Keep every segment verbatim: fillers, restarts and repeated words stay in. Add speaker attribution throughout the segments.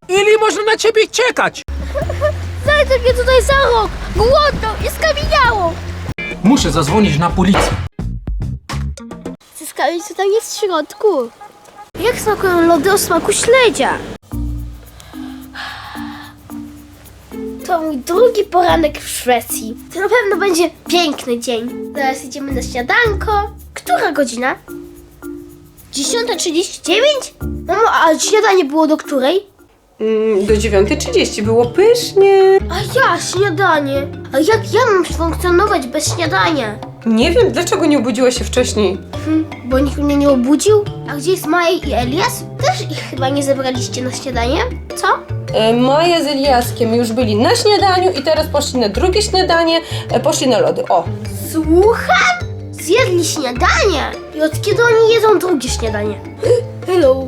Speaker 1: Ile można na ciebie czekać?
Speaker 2: Zajdę mnie tutaj za rok, głodną i skamieniałą.
Speaker 1: Muszę zadzwonić na policję.
Speaker 2: Zyskali, co tam jest w środku. Jak smakują lody o smaku śledzia? To mój drugi poranek w Szwecji. To na pewno będzie piękny dzień. Zaraz idziemy na śniadanko. Która godzina? dziesiąta trzydzieści dziewięć? Mamo, a śniadanie było do której?
Speaker 3: Mm, do dziewiątej trzydzieści było pysznie.
Speaker 2: A ja, śniadanie. A jak ja mam funkcjonować bez śniadania?
Speaker 3: Nie wiem, dlaczego nie obudziłaś się wcześniej.
Speaker 2: Hm, bo nikt mnie nie obudził? A gdzie jest Maja i Elias? Też ich chyba nie zebraliście na śniadanie? Co?
Speaker 3: E, Maja z Eliaskiem już byli na śniadaniu i teraz poszli na drugie śniadanie, e, poszli na lody. O!
Speaker 2: Słucham? Zjedli śniadanie? I od kiedy oni jedzą drugie śniadanie? Hello.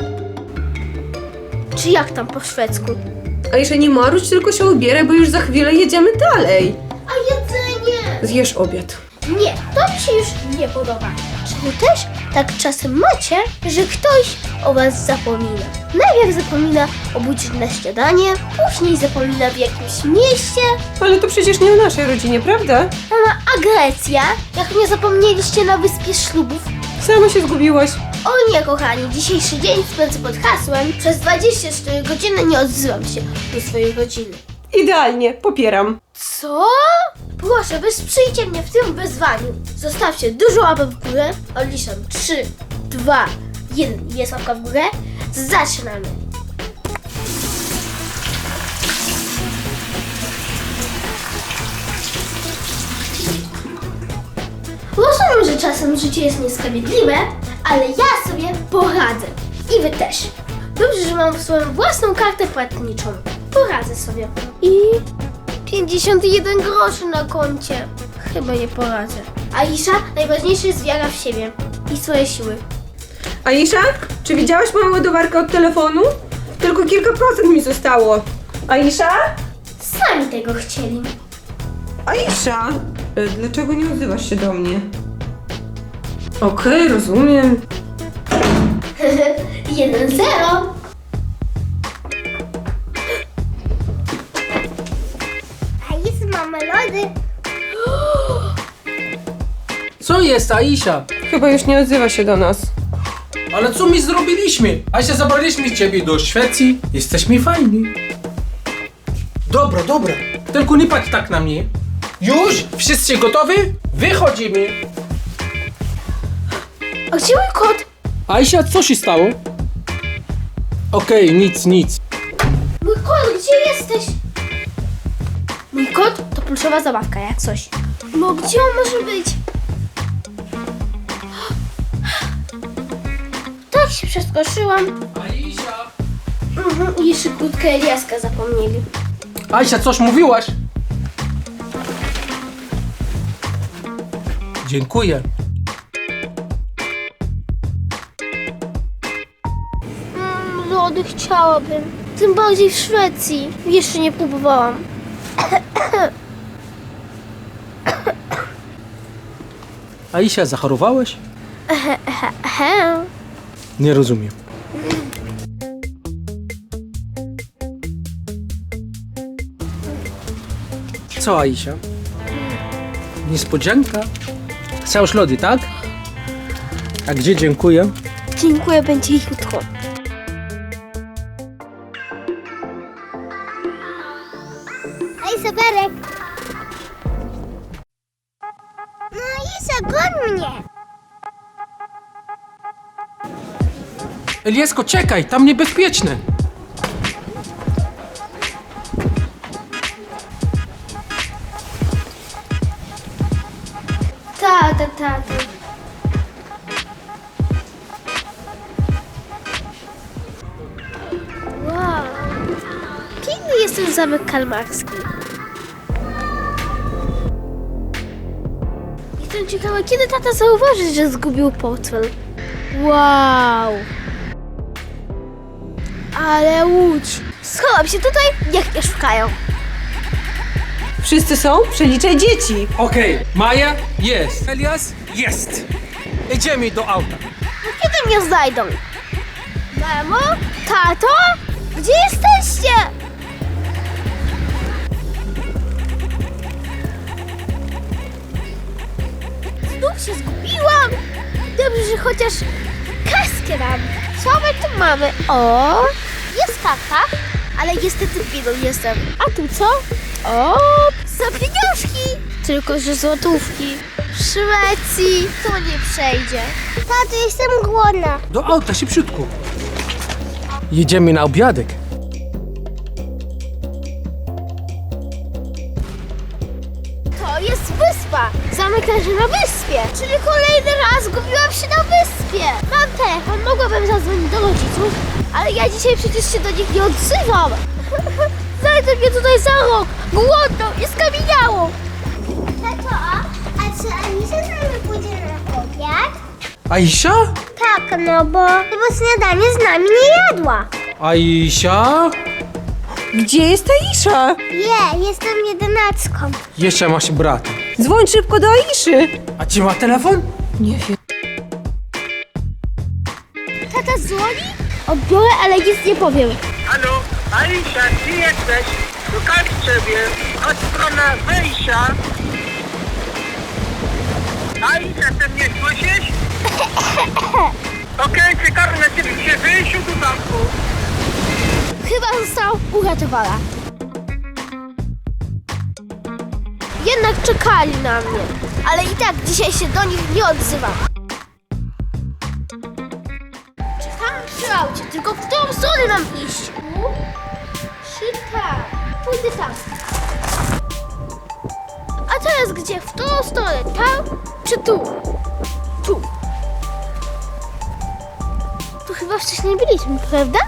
Speaker 2: Czy jak tam po szwedzku?
Speaker 3: A jeszcze nie marudź, tylko się ubieraj, bo już za chwilę jedziemy dalej.
Speaker 2: A jedzenie?
Speaker 3: Zjesz obiad.
Speaker 2: Nie, to mi się już nie podoba. Czy wy też tak czasem macie, że ktoś o was zapomina? Najpierw zapomina obudzić na śniadanie, później zapomina w jakimś mieście.
Speaker 3: Ale to przecież nie o naszej rodzinie, prawda?
Speaker 2: Mama, a Grecja? Jak nie zapomnieliście na wyspie ślubów?
Speaker 3: Sama się zgubiłaś.
Speaker 2: O nie, kochani, dzisiejszy dzień spędzę pod hasłem. Przez dwadzieścia cztery godziny nie odzywam się do swojej rodziny.
Speaker 3: Idealnie, popieram.
Speaker 2: Co? Proszę, wesprzyjcie mnie w tym wyzwaniu. Zostawcie dużo łapek w górę. Odliczam trzy, dwa, jeden. Jest łapka w górę. Zaczynamy. Rozumiem, że czasem życie jest niesprawiedliwe, ale ja sobie poradzę. I wy też. Dobrze, że mam swoją własną kartę płatniczą. Poradzę sobie. I pięćdziesiąt jeden groszy na koncie. Chyba nie poradzę. Aisza, najważniejsze jest wiara w siebie i swoje siły.
Speaker 3: Aisza, czy widziałaś moją ładowarkę od telefonu? Tylko kilka procent mi zostało. Aisza?
Speaker 2: Sami tego chcieli.
Speaker 3: Aisza! E, Dlaczego nie odzywasz się do mnie? Okej, rozumiem.
Speaker 2: jeden zero. A jest mamy lody.
Speaker 1: Co jest, Aisha?
Speaker 3: Chyba już nie odzywa się do nas.
Speaker 1: Ale co my zrobiliśmy? Aisha, zabraliśmy ciebie do Szwecji. Jesteśmy fajni. Dobra, dobra. Tylko nie patrz tak na mnie. Już? Wszyscy gotowi? Wychodzimy.
Speaker 2: A gdzie mój kot?
Speaker 1: Aisha, co się stało? Okej, nic, nic.
Speaker 2: Mój kot, gdzie jesteś? Mój kot to pluszowa zabawka, jak coś. No gdzie on może być? Tak się przestraszyłam.
Speaker 1: Aisha.
Speaker 2: Mhm, i jeszcze krótkę Eliaska zapomnieli.
Speaker 1: Aisha, coś mówiłaś? Dziękuję.
Speaker 2: Mm, lody chciałabym. Tym bardziej w Szwecji. Jeszcze nie próbowałam.
Speaker 1: Aisha, zachorowałeś?
Speaker 2: Ehe.
Speaker 1: Nie rozumiem. Co, Aisha? Niespodzianka? Chcesz lody, tak? A gdzie dziękuję?
Speaker 2: Dziękuję, będzie jutro. Ej, Sewerek! No Isa, goń mnie!
Speaker 1: Eliesko, czekaj, tam niebezpieczne.
Speaker 2: Tata, tata. Wow. Piękny jest ten zamek kalmarski. Jestem ciekawa, kiedy tata zauważy, że zgubił portfel. Wow. Ale łódź. Schowam się tutaj, niech mnie szukają.
Speaker 3: Wszyscy są? Przeliczaj dzieci.
Speaker 1: Okej, Maja jest. Elias jest. Idziemy do auta.
Speaker 2: No kiedy mnie znajdą? Mamo? Tato? Gdzie jesteś? chociaż kaskę dam. Co my tu mamy? O, jest karta, ale niestety biedną jestem. A tu co? O, za pieniążki. Tylko, że złotówki. W Szwecji to nie przejdzie. Tato, jestem głodna.
Speaker 1: Do auta, szybciutko. Jedziemy na obiadek.
Speaker 2: To jest wyspa. Zamek leży na wyspie. Czyli kolejny raz zgubiłam się na wyspie. Mam telefon, mogłabym zadzwonić do rodziców, ale ja dzisiaj przecież się do nich nie odzywam. Znajdę mnie tutaj za rok. Głodno i skamieniało.
Speaker 4: Tato, a czy Anisia z nami pójdzie na obiad?
Speaker 1: Aisha?
Speaker 4: Tak, no bo, no bo śniadanie z nami nie jadła.
Speaker 1: Aisha?
Speaker 3: Gdzie jest Aisza?
Speaker 4: Nie, jestem jedenastką.
Speaker 1: Jeszcze masz brata.
Speaker 3: Dzwoń szybko do Aiszy.
Speaker 1: A ci ma telefon?
Speaker 3: Nie wiem.
Speaker 2: Tata dzwoni? Odbiorę, ale nic nie powiem.
Speaker 5: Halo, Aisha, gdzie jesteś? Szukam ciebie. Od strona wejścia. Aisha, ty mnie słyszysz? Okej, czekam na ciebie przy wyjściu do zamku.
Speaker 2: Chyba została uratowana. Jednak czekali na mnie, ale i tak dzisiaj się do nich nie odzywam. Czekam przy aucie, tylko w którą stronę mam iść? Tu? Czy tam? Pójdę tam. A teraz gdzie? W którą stronę? Tam czy tu? Tu. Tu chyba wcześniej byliśmy, prawda?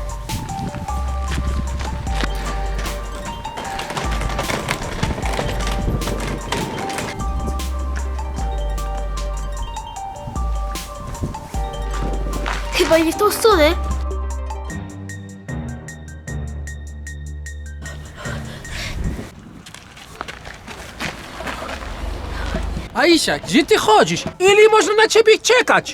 Speaker 2: Chyba nie w tą stronę.
Speaker 1: Aisha, gdzie ty chodzisz? Ile można na ciebie czekać?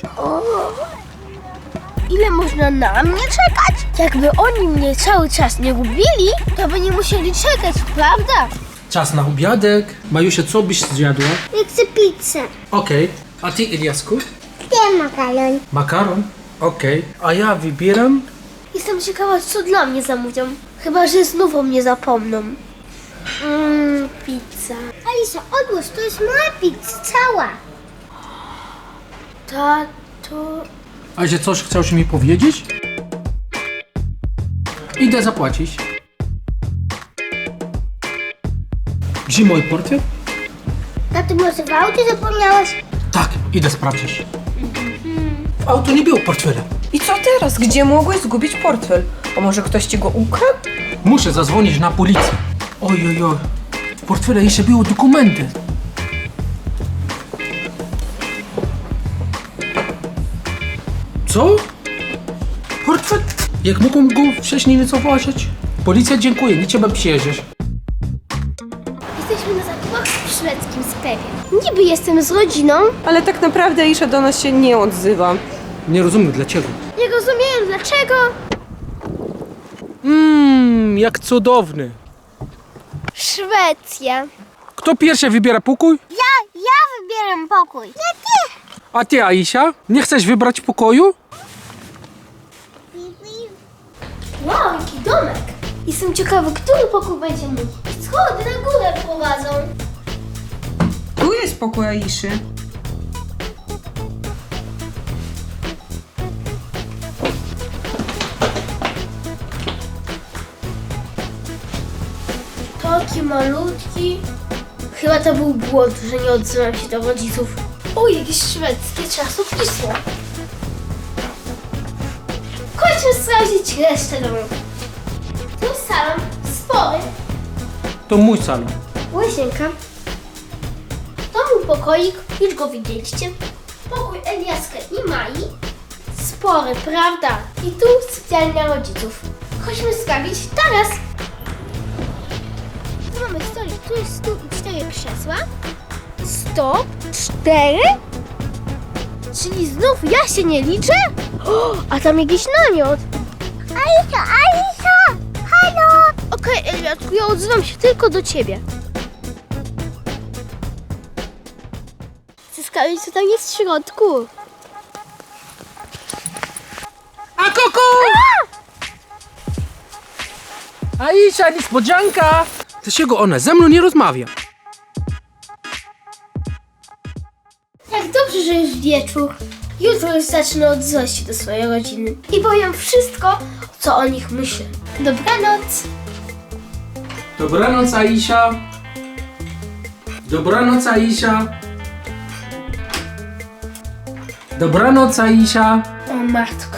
Speaker 2: Ile można na mnie czekać? Jakby oni mnie cały czas nie gubili, to by nie musieli czekać, prawda?
Speaker 1: Czas na obiadek. Majusia, co byś zjadła?
Speaker 4: Ja chcę pizzę.
Speaker 1: Okej. A ty, Eliasku?
Speaker 4: Gdzie makaron?
Speaker 1: Makaron? Okej. A ja wybieram...
Speaker 2: Jestem ciekawa, co dla mnie zamówią. Chyba, że znów o mnie zapomną. Mmm, pizza.
Speaker 4: Alisa, odłóż, to jest moja pizza, cała.
Speaker 2: Tato...
Speaker 1: Aisha, coś chciałeś mi powiedzieć? Idę zapłacić. Gdzie mój portfel?
Speaker 4: Tato, może w aucie zapomniałaś?
Speaker 1: Tak, idę sprawdzić. W auto nie było portfela.
Speaker 3: I co teraz? Gdzie mogłeś zgubić portfel? A może ktoś ci go ukradł?
Speaker 1: Muszę zadzwonić na policję. Oj, oj, oj. W portfelu jeszcze były dokumenty. Co? Portfel? Jak mogłem go wcześniej nie zauważyć? Policja, dziękuję, nie trzeba przyjeżdżać.
Speaker 2: Jesteśmy na zakupach w szwedzkim sklepie. Niby jestem z rodziną.
Speaker 3: Ale tak naprawdę Aisza do nas się nie odzywa.
Speaker 1: Nie rozumiem dlaczego.
Speaker 2: Nie rozumiem dlaczego.
Speaker 1: Mmm, jak cudowny.
Speaker 2: Szwecja.
Speaker 1: Kto pierwszy wybiera pokój?
Speaker 4: Ja, ja wybieram pokój. Nie ty.
Speaker 1: A ty, Aisha? Nie chcesz wybrać pokoju?
Speaker 2: Wow, jaki domek. Jestem ciekawy, który pokój będzie mój. Schody na górę prowadzą.
Speaker 3: Tu jest pokój Aiszy.
Speaker 2: Taki malutki. Chyba to był błąd, że nie odzywam się do rodziców. O, jakieś szwedzkie czasopismo. Chodźmy sprawdzić resztę domu. Tu salon spory.
Speaker 1: To mój salon.
Speaker 2: Łazienka. To mój pokoik, już go widzieliście. Pokój Eliaska i Mai. Spory, prawda? I tu sypialnia rodziców. Chodźmy sprawdzić teraz. Tu mamy stolik, tu jest stół i cztery krzesła. Sto, cztery? Czyli znów ja się nie liczę? O, a tam jakiś namiot.
Speaker 4: Alisa, Alisa, halo.
Speaker 2: Okej, Eliasku, ja odzywam się tylko do ciebie. Chcę sprawdzić, co tam jest w środku.
Speaker 1: wysoko! Aisha, niespodzianka! Dlaczego ona ze mną nie rozmawia?
Speaker 2: Jak dobrze, że już wieczór. Jutro już zacznę odzywać się do swojej rodziny i powiem wszystko, co o nich myślę. Dobranoc!
Speaker 1: Dobranoc, Aisha. Dobranoc, Aisha. Dobranoc, Aisha.
Speaker 2: O matko.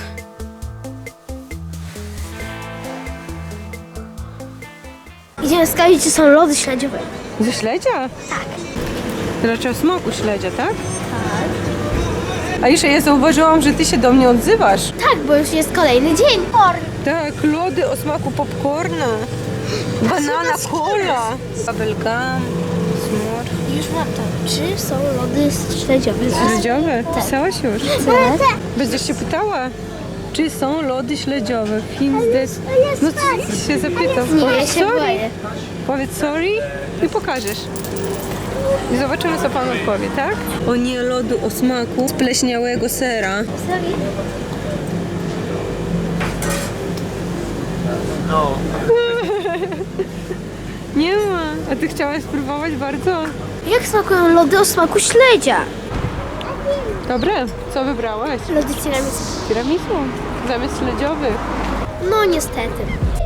Speaker 2: Idziemy sprawdzić, czy są lody śledziowe.
Speaker 3: Ze śledzia? Tak. Raczej o smaku śledzia, tak? Tak. Aisza, ja zauważyłam, że ty się do mnie odzywasz.
Speaker 2: Tak, bo już jest kolejny dzień.
Speaker 3: Tak, lody o smaku popcorna. Banana cola. Bubblegum. Smor.
Speaker 2: Już mam to. Czy są lody śledziowe?
Speaker 3: Śledziowe?
Speaker 2: Tak.
Speaker 3: Pisałaś już?
Speaker 2: Tak.
Speaker 3: Będziesz się pytała, czy są lody śledziowe. Findes. No co się zapytam?
Speaker 2: Nie, ja
Speaker 3: Powiedz
Speaker 2: się
Speaker 3: sorry.
Speaker 2: boję.
Speaker 3: Powiedz sorry i pokażesz. I zobaczymy, co pan odpowie, tak? O nie, lodu o smaku spleśniałego sera.
Speaker 2: Sorry.
Speaker 3: Nie ma. A ty chciałaś spróbować bardzo?
Speaker 2: Jak smakują lody o smaku śledzia?
Speaker 3: Dobre. Co wybrałaś?
Speaker 2: Lody tiramisu.
Speaker 3: Tiramisu. Zamiast śledziowych.
Speaker 2: No niestety.